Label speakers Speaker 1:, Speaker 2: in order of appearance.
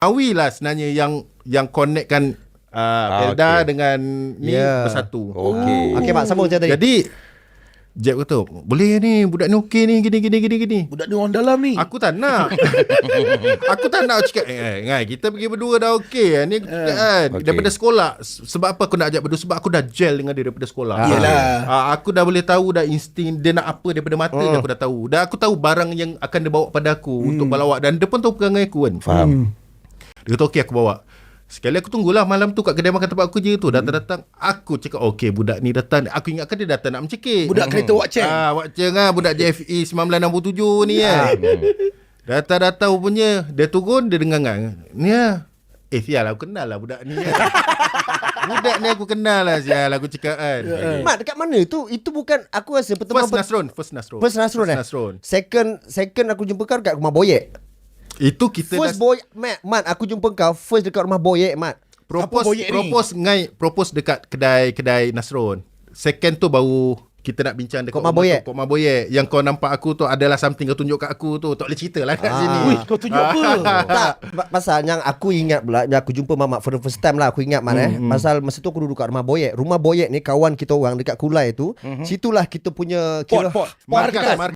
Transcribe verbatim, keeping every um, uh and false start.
Speaker 1: Awi lah sebenarnya yang yang connectkan uh,
Speaker 2: Ah,
Speaker 1: Felda
Speaker 2: okay.
Speaker 1: dengan ni
Speaker 3: Yeah.
Speaker 1: bersatu.
Speaker 2: Okey.
Speaker 3: Okey Mak, sambung cerita tadi.
Speaker 1: Jadi Jeb kata, boleh ni, budak ni okey ni, gini gini gini gini.
Speaker 4: Budak ni orang dalam ni.
Speaker 1: Aku tak nak. Aku tak nak cakap, eh, Ngai, kita pergi berdua dah okey. Ni aku cakap kan,
Speaker 2: Okey.
Speaker 1: daripada sekolah. Sebab apa aku nak ajak berdua? Sebab aku dah gel dengan dia daripada sekolah.
Speaker 3: Ah.
Speaker 4: Yelah.
Speaker 1: Ah, aku dah boleh tahu dah insting dia nak apa daripada mata
Speaker 3: Hmm.
Speaker 1: je aku dah tahu. Dan aku tahu barang yang akan dia bawa pada aku untuk balawak. Dan dia pun tahu perangai aku kan.
Speaker 2: Faham.
Speaker 1: Dia kata okey aku bawa. Sekali aku tunggulah malam tu kat kedai makan tempat aku je tu. Datang-datang aku cakap okey budak ni datang. Aku ingatkan dia datang nak mencekik.
Speaker 4: Budak kereta Wak Cheng.
Speaker 1: Ah, Wak Cheng ah, budak J F E sembilan belas enam puluh tujuh ni kan. Datang-datang punya dia turun dia dengar-dengar. Ni ah. Eh sial aku kenal lah budak ni. Kan. Budak ni aku kenal lah sial aku cakap kan.
Speaker 3: Mak, dekat mana tu? Itu bukan, aku rasa pertemuan
Speaker 1: First Nasron, First Nasron.
Speaker 3: First Nasron eh?
Speaker 1: Nasron.
Speaker 3: Second second aku jumpa kau dekat rumah Boyek.
Speaker 1: Itu kita
Speaker 3: First
Speaker 1: dah
Speaker 3: boy Mat, Mat, aku jumpa kau first dekat rumah Boyek, Mat.
Speaker 1: propose
Speaker 4: Apa boyek ni?
Speaker 1: propose ngai propose dekat kedai-kedai Nasron. Second tu baru kita nak bincang dekat
Speaker 3: Kok Ma
Speaker 1: rumah
Speaker 3: Boyek?
Speaker 1: tu, Kok Ma Boyek. Yang kau nampak aku tu adalah something kau tunjuk kat aku tu. Tak boleh cerita lah kat
Speaker 3: Ah.
Speaker 1: sini.
Speaker 4: Wih, kau tunjuk apa?
Speaker 3: Tak, pa- pasal yang aku ingat pula, yang aku jumpa Mamat for the first time lah, aku ingat man eh. Pasal masa tu aku duduk kat rumah Boyek. Rumah Boyek ni kawan kita orang dekat Kulai tu. Situlah kita punya
Speaker 4: Pot, pot.
Speaker 1: Markas,
Speaker 3: Markas.
Speaker 1: markas.